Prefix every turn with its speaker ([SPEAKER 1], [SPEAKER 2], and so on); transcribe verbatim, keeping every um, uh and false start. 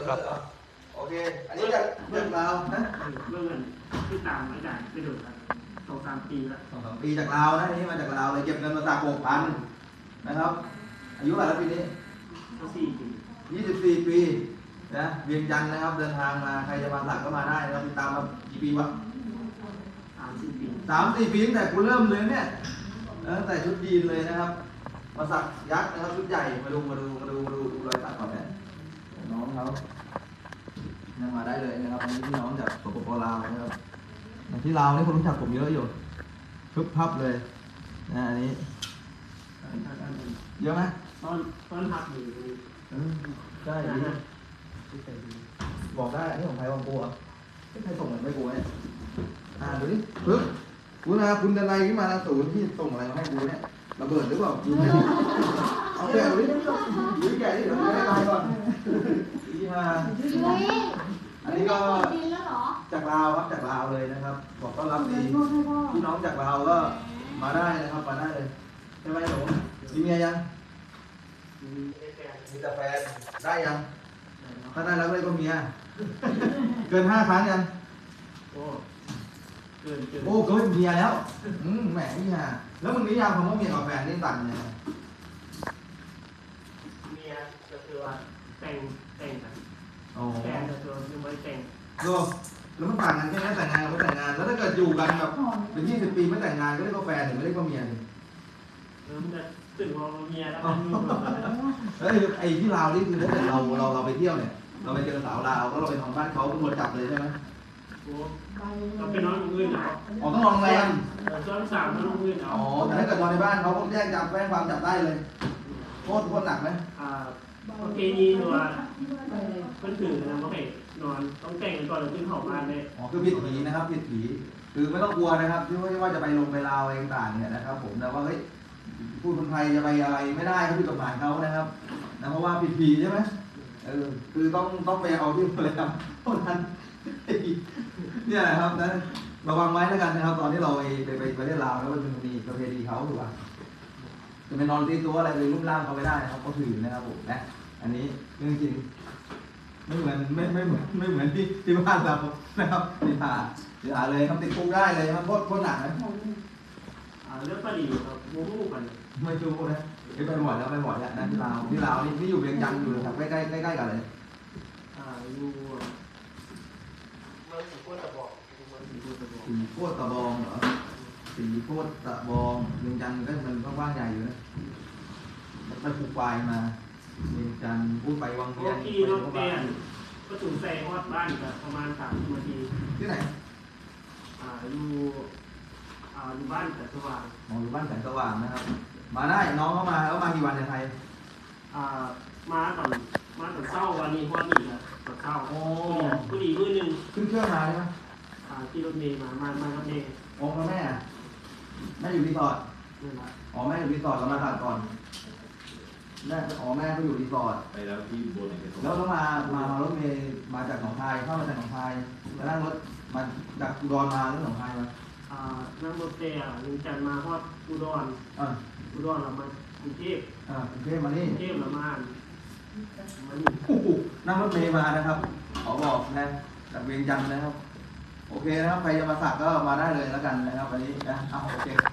[SPEAKER 1] ครับ
[SPEAKER 2] โอเคอันนี้จากจากลาวนะ
[SPEAKER 3] เมื่อเงินที่ตามอาจารย์ไปดูครับสองสามปีแล้ว
[SPEAKER 2] สองสามปีจากลาวนะอันนี้มาจากลาวเลยเก็บเงินมาสักหกพันนะครับอายุเท่าไหร่แล้วปีนี้
[SPEAKER 3] ก็สี่ปี
[SPEAKER 2] ยี่สิบสี่ปีนะเวียงจันทร์นะครับเดินทางมาใครจะมาสักก็มาได้นะครับติดตามมากี่ปีวะ
[SPEAKER 3] สามสี่ปี
[SPEAKER 2] สามสี่ปีตั้งแต่กูเริ่มเลยเนี่ยตั้งแต่ชุดยีนเลยนะครับมาสักยักษ์นะครับชุดใหญ่มาดูมาดูมาดูมาดูดูรอยสักก่อนเนี่ยน้องเขาเนี่ยมาได้เลยนะครับอันนี้พี่น้องจากสปปลาวนะครับที่ลาวนี่คนรู้จักผมเยอะอยู่พึบพับเลยนะอันนี้เยอะไหม
[SPEAKER 3] ตอนตอนพักอยู่
[SPEAKER 2] เออใช่ดีบอกได้อันนี้ของใครของกูเหรอใครส่งเงินไม่กูเนี่ยอ่าดูดิปึ๊บคุณนะคุณดันไลขึ้นมาศูนย์ที่ส่งอะไรมาให้กูเนี่ยระเบิดหรือเปล่าดูดิเอาแกะดูดิดูแกะดิเดี๋ยวไม่ได้ตายก่อนที่มาอันนี้ก็จากลาวครับจากลาวเลยนะครับบอกต้อนรับดีพี่น้องจากลาวก็มาได้นะครับมาได้เลยใช่ไหมหนูมีเมียยังมีแต่แฟนได้ยังถ้าได้แล้วก็เมียเกินห้าครั้งยัง
[SPEAKER 3] โอ้เกินเกิน
[SPEAKER 2] โอ้เกินเมียแล้วอืมแหมนี่ฮะแล้วมึงนิยามคำว่าเมียกับแฟนนี่ต่างยังไง
[SPEAKER 3] เมียก็คือว่าแต่งแต่งกัน
[SPEAKER 2] อ๋อ
[SPEAKER 3] แฟนก็คือยังไม่แต่ง
[SPEAKER 2] ดูแล้วมันต่างกันแค่ไหนแต่งงานกับไม่แต่งงานแล้วถ้าเกิดอยู่กันแบบเป็นยี่สิบปีไม่แต่งงานก็เรียกว่าแฟนหรือไม่เรียกว่าเมียนี่
[SPEAKER 3] เริ่มจะตื่นมองเมียแล้วมันมีแบบนั้น
[SPEAKER 2] เฮ้ยไอ้ที่ลาวนี่คือถ้าเกิดเราเราเราไปเที่ยวเนี่ยเราไปเจอสาวลาวแล้วเราไปนอนบ้านเขาตำรวจจับเลยใช่ไหม
[SPEAKER 3] โอ้เราไปนอนอื่นเหรอ
[SPEAKER 2] อ๋อต้องนอนโรงแรม
[SPEAKER 3] ซ้อนสามนอนอื่นเหรอ
[SPEAKER 2] อ๋อแต่ถ้าเกิดนอนในบ้านเขาก็แจ้งจับแจ้งความจับได้เลยโทษโทษหนักไหม
[SPEAKER 3] อ่าโอเคนี่หนูว่าเพิ่นถือนะว่าให้นอนต้องแต่งกันก่อนแล้วขึ้นเขาบ้านเลย
[SPEAKER 2] อ๋อคือผิดผีนะครับผิดผีคือไม่ต้องกลัวนะครับที่ว่าจะไปลงไปลาวอะไรต่างๆเนี่ยนะครับผมแต่ว่าเฮ้ยพูดคนไทยจะไปอะไรไม่ได้เขาผิดกฎหมายเขานะครับนะเพราะว่าผิดผีใช่ไหมเออคือต้องต้องไปเอาที่โรงแรมเท่านั้นเนี่ยนะครับนะระวังไว้แล้วกันนะครับตอนที่เราไปไปไปประเทศลาวแล้วมันมีประเพณีเขาถูกป่ะจะไปนอนตีตัวอะไรเลยรูปร่างเขาไม่ได้นะครับเขาถือนะครับผมนะอันนี้เรื่องจริงไม่เหมือนไม่ไม่เหมือนไม่เหมือนที่ที่บ้านเรานะครับติดหาติดหาเลยทำติดคุกได้เลยมันโคตรโคตรหนักนะ
[SPEAKER 3] อ่าเรื่องประดีครับโมโหกัน
[SPEAKER 2] ไม่รู้นะไปไปบ่อยแล้วไปบ่อยแล้วนะที่ลาวที่ลาวนี่ที่อยู่เวียงจันทร์อยู่ครับใกล้ใกล้ใกล้ใกล้กันเลย
[SPEAKER 3] อ่าอยู่เมืองสีโคตรตะบอกเมืองสีโคตรตะบอก
[SPEAKER 2] สีโคตรตะบองเหรอสีโคตรตะบองเวียงจันทร์ก็มันกว้างใหญ่อยู่นะไปผูกปลายมาเวียงจันทร์พูดไปวัง
[SPEAKER 3] โอ
[SPEAKER 2] เวียง
[SPEAKER 3] เครถแกนก็ถึงใส่ฮอดบ้านกับประมาณสามนาที
[SPEAKER 2] ที่ไหน
[SPEAKER 3] อ่าอยู่อ่าอยู่บ้านแต่สว่าง
[SPEAKER 2] มองอยู่บ้านแสงสว่างนะครับ มาได้น้องเข้ามาแล้วมากี่วันในไทย
[SPEAKER 3] อ่ามาตอนมาตอนเช้าวันนี้ฮอดนี่ครับตอนเช้า
[SPEAKER 2] โอ้
[SPEAKER 3] ผู้ดีมือหนึ่ง
[SPEAKER 2] ขึ้นเครื่องมาใช่ไหม
[SPEAKER 3] อ่าที่รถเมล์มามามากับเมย์
[SPEAKER 2] โอ้แล้วแม่อะแม่อยู่รีสอร์ท
[SPEAKER 3] นั่นแหละ
[SPEAKER 2] อ๋อแม่อยู่รีสอร์ทเรามาตัดก่อนแม่อ๋อแม่ก็อยู่รีสอร์ท
[SPEAKER 1] ไปแล้วที่บนไหนกัน
[SPEAKER 2] แล้วก็มามามารถเมย์มาจากหนองคายเข้ามาจากหนองคายมานั่งรถมาจากอุดรมาหรือหนองคายมา
[SPEAKER 3] อ่านั่งรถเตะลุงจันทร์มาฮอดอุดร
[SPEAKER 2] อ่า
[SPEAKER 3] อุดรเรามากรุงเทพ
[SPEAKER 2] อ่ากรุงเทพมานี่
[SPEAKER 3] กรุงเทพเรามามานี่
[SPEAKER 2] โอ้โหนั่งรถเมย์มานะครับขอบอกนะจากเวียงจันทร์นะครับ โอเคนะครับใครจะมาสักก็มาได้เลยแล้วกันนะครับวันนี้นะเอาโอเค